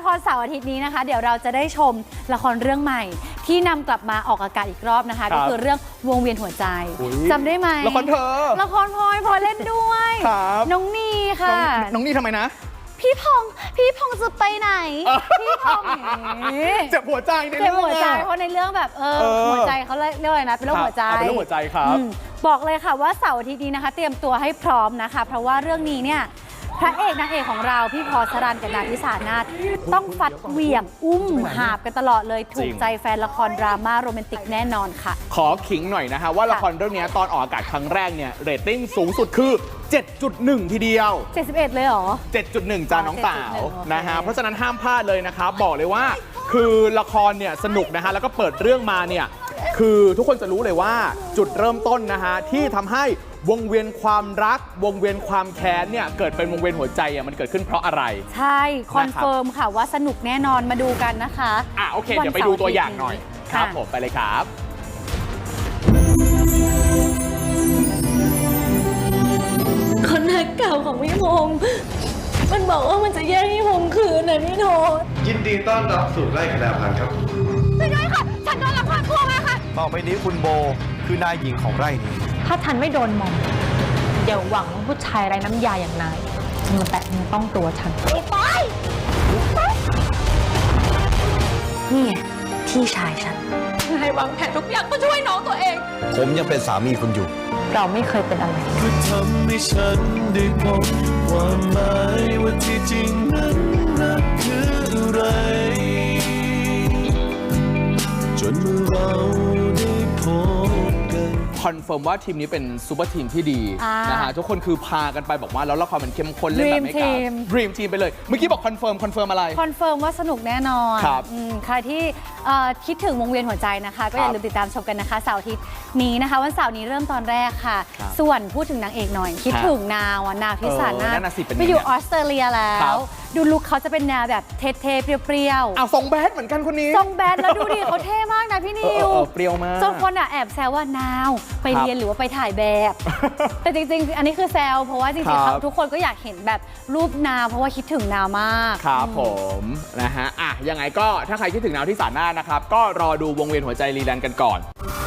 รเสาร์อาทิตย์นี้นะคะ เดี๋ยวเราจะได้ชมละครเรื่องใหม่ ที่นำกลับมาออกอากาศอีกรอบนะคะ ก็คือเรื่องวงเวียนหัวใจจำได้ไหมละครเธอละครพลอยเล่นด้วยน้องนีค่ะน้องนีทำไมนะพี่พงจะไปไหนพี่พงเจ็บหัวใจในเรื่องเจ็บหัวใจเพราะในเรื่องแบบหัวใจเขาเรียกอะไรนะเป็นโรคหัวใจเป็นโรคหัวใจครับบอกเลยค่ะว่าเสาร์อาทิตย์นี้นะคะเตรียมตัวให้พร้อมนะคะเพราะว่าเรื่องนี้เนี่ยพระเอกนางเอกของเราพี่พอสรันกับนางทิสานาถต้องฟัดเหวี่ยงอุ้มหาบกันตลอดเลยถูกใจแฟนละครดราม่าโรแมนติกแน่นอนค่ะขอขิงหน่อยนะฮะว่าละครเรื่องนี้ตอนออกอากาศครั้งแรกเนี่ยเรตติ้งสูงสุดคือ 7.1 ทีเดียว 71เลยเหรอ 7.1 จ้าน้องสาวนะฮะเพราะฉะนั้นห้ามพลาดเลยนะครับบอกเลยว่าคือละครเนี่ยสนุกนะฮะแล้วก็เปิดเรื่องมาเนี่ยคือทุกคนจะรู้เลยว่าจุดเริ่มต้นนะฮะที่ทำให้วงเวียนความรักวงเวียนความแค้นเนี่ยเกิดเป็นวงเวียนหัวใจอ่ะมันเกิดขึ้นเพราะอะไรใช่คอนเฟิร์มค่ะว่าสนุกแน่นอนมาดูกันนะคะโอเคเดี๋ยวไปดูตัวอย่างหน่อยครับผมไปเลยครับคนรักเก่าของพี่พงษ์มันบอกว่ามันจะแย่งพี่พงษ์คืนนะพี่โนยินดีต้อนรับสู่ไร่คณาพันธ์ครับไม่ได้ค่ะฉันโดนลักพาตัวมาค่ะต่อไปนี้คุณโบคือนายหญิงของไร่นี้ถ้าฉันไม่โดนมองอย่าหวังว่าผู้ชายไร้น้ำยาอย่างนายจะมาแตะมือต้องตัวฉันไปนี่ไงพี่ชายฉันนายวางแผนทุกอย่างเพื่อช่วยน้องตัวเองผมยังเป็นสามีคุณอยู่เราไม่เคยเป็นอะไรคือทำให้ฉันได้พบความหมายว่าที่จริงนั้นรักคืออะไรจนเมื่อเราได้พบกันคอนเฟิร์มว่าทีมนี้เป็นซูเปอร์ทีมที่ดีนะฮะทุกคนคือพากันไปบอกว่าแล้วละครมันเข้มข้นเล่นแบบไม่กล้าดรีมทีมไปเลยเมื่อกี้บอกคอนเฟิร์มอะไรคอนเฟิร์มว่าสนุกแน่นอนครับใครที่คิดถึงวงเวียนหัวใจนะคะก็อย่าลืมติดตามชมกันนะคะเสาร์อาทิตย์นี้นะคะวันเสาร์นี้เริ่มตอนแรกค่ะส่วนพูดถึงนางเอกหน่อยคิดถึงนาวทิสานาถไปอยู่ออสเตรเลียแล้วดูลุคเขาจะเป็นแนวแบบเท่ๆเปรี้ยวๆทรงแบดเหมือนกันคนนี้ทรงแบดแล้วดูดิเขาเท่มากนะพี่นิวเปรี้ยวมากจนคนแอบแซวว่านาวไปเรียนหรือว่าไปถ่ายแบบ แต่จริงๆอันนี้คือแซวเพราะว่าจริงๆทุกคนก็อยากเห็นแบบรูปนาวเพราะว่าคิดถึงนาวมากครับผมนะฮะยังไงก็ถ้าใครคิดถึงนาวทิสานาถนะครับก็รอดูวงเวียนหัวใจรีแลนด์กันก่อน